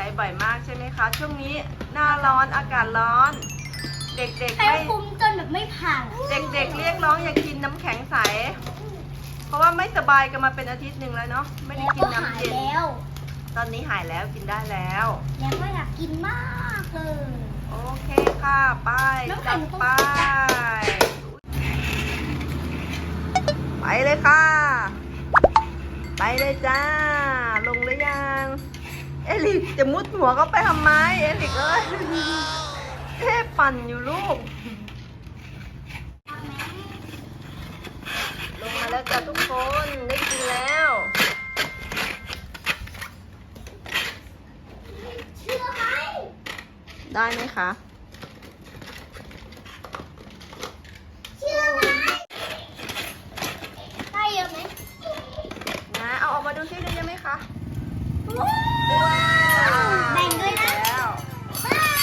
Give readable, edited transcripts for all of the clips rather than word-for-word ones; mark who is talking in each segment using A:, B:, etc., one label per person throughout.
A: ช้บ่อยมากใช่ไหมคะช่วงนี้หน้าร้อนอากาศร้อน เด็กๆ
B: ให้
A: ไม่
B: คุมจนแบบไม่พัง
A: เด็กๆเรียกร้องอยากกินน้ำแข็งใสเพราะว่าไม่สบายกันมาเป็นอาทิตย์หนึ่งแล้วเนาะไม่ได้
B: แล้ว
A: กิ
B: ก็
A: นน้ำ
B: หาย
A: เย็น
B: แล้ว
A: ตอนนี้หายแล้วกินได้แล้ว
B: แล้วก็อยากกินมากเลย
A: โอเคค่ะไป
B: น้ำแข็
A: จั
B: ง
A: ด
B: ต้อง
A: ไปไปเลยค่ะ ไปเลยจ้าลงหรือยังเอลิกจะมุดหัวเขาไปทำไมเอลิกเอ้ยเท่ปั่นอยู่ลูกลงมาแล้วจ้าทุกคนได้กินแล้ว
B: เชื่อไหม
A: ได้ไหมคะ
B: เชื่อไหมได้เยอะไหม
A: นะเอาออกมาดูซิได้เยอะไหมคะ
B: ว้าวแบ่งด้วยนะ
A: แล้ว
B: ว้าว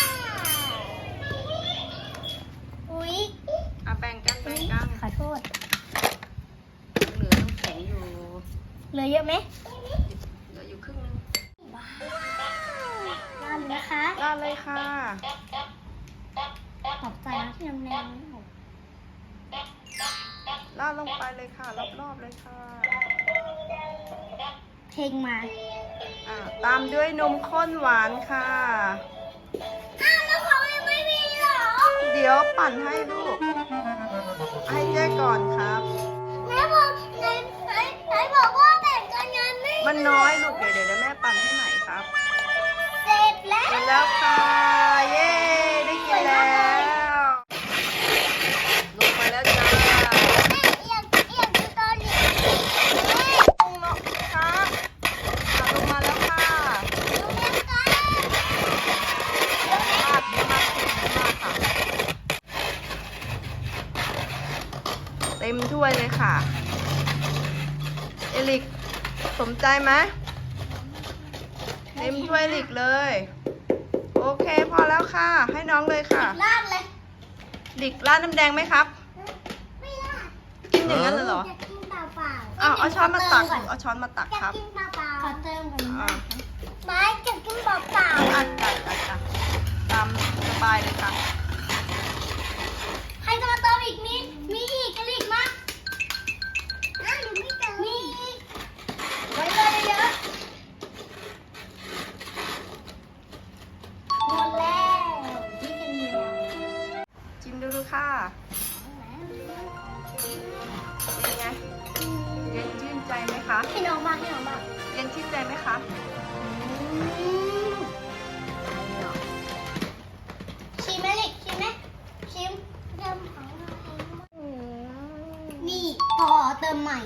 B: อุ๊ย
A: เอาแบ่งกันแบ่งกัน
B: ขอโทษ
A: เหลือน้ำแข็งอยู่
B: เหลือเยอะไหม
A: เหลืออยู่ครึ่งนึง
B: ว้าวได้เลยนะคะ
A: ราดเลยค่ะ
B: ขอบใจนะที่นำแนว
A: ราดลงไปเลยค่ะรอบๆเลยค่ะ
B: เพลงมา
A: ตามด้วยนมข้นหวานค่ะ
B: อ้าวแล้วเขายังไม่มีเหรอ
A: เดี๋ยวปั่นให้ลูก ให้เจ๊ก่อนครับ
B: ไหนบอกว่าแบ่งกันงานไม่
A: มันน้อยลูกเดี๋ยวแม่ปั่นให้ใหม่ครับ
B: เสร็จแล้ว
A: กินแล้วค่ะ เย้ได้กินแล้วลงไปแล้วจ้า
B: อยากดูตอนนี้
A: ลงแล้วค่ะลงมาแล้วค่ะ
B: ดูเล่นกัน
A: มากมากค่ะ เต็มถ้วยเลยค่ะ เอลิกสมใจไหมเต็มถ้วยเอลิกเลย โอเคพอแล้วค่ะ ให้น้องเลยค่ะ
B: ลาดเลย
A: ลิกราดน้ำแดงไหมครับ
B: ไม่ลาด
A: กินอย่างนั้นเลยเหรอ
B: อยากกินเปล่าๆ
A: เอาช้อนมาตัก
B: ก่อน
A: เอาช้อนมาตัก
B: อยา
A: ครั
B: ก
A: บ
B: กินเปล่าๆขอเติมก่อน
A: อ่า
B: ไม้อยากกินเปล่า
A: จัดตามสบายเลยค่ะ
B: ๆใครจะมาเติมอีกนิดมีอีกกะลิกมาอ้าวหนูไม่เติมมีอีกไว้เลยเยอะหมดแล้วนี่เป็นเดียว
A: ชิมดูค่ะ เป็นไง เย็นชื่นใจไหมคะ
B: ให้น้องบ้างให้น้องบ้าง
A: เย็นชื่นใจไหมคะ
B: ชิมไหมลิกชิมไหมชิมเติมของเราเองนี่พอเติมใหม่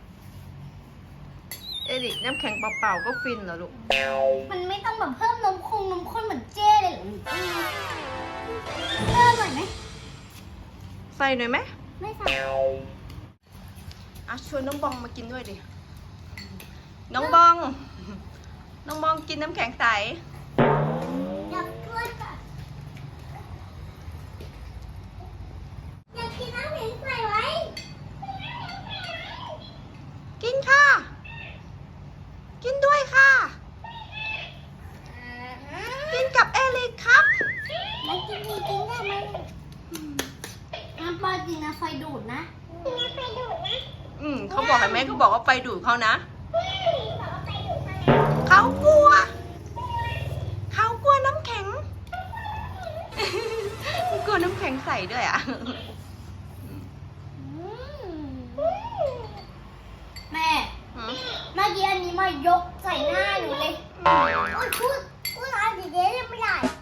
A: เอริกน้ำแข็งเปล่าๆก็ฟินเหรอลูก
B: มันไม่ต้องแบบเพิ่มนมข้นเหมือนเจ้เลยเหรอเพิ่มหน่อยไหม
A: ใส่หน่อยไหม
B: ไม่ใส่
A: ชวนน้องบองมากินด้วยดิ น้องบอง น้องบองกินน้ำแข็งใส
B: อยากช่วยก่อนอยากกินน้ำแข็งใส่ไว้
A: กินค่ะ กินด้วยค่ะ กินกับเอริกครับ
B: แล้วกินจริงๆได้ไหมน้ำปลาจริงนะไฟดูดนะไฟดูดนะ
A: เขาบอกเห็นไหมเขาบอกว่าไฟดูดเขานะ เขากลัว เขากลัวน้ำแข็ง กลัวน้ำแข็งใส่ด้วยอ่ะ
B: แม่เมื่อกี้อันนี้มายกใส่หน้าหนูเลยพูดอะไรดีๆไม่ได้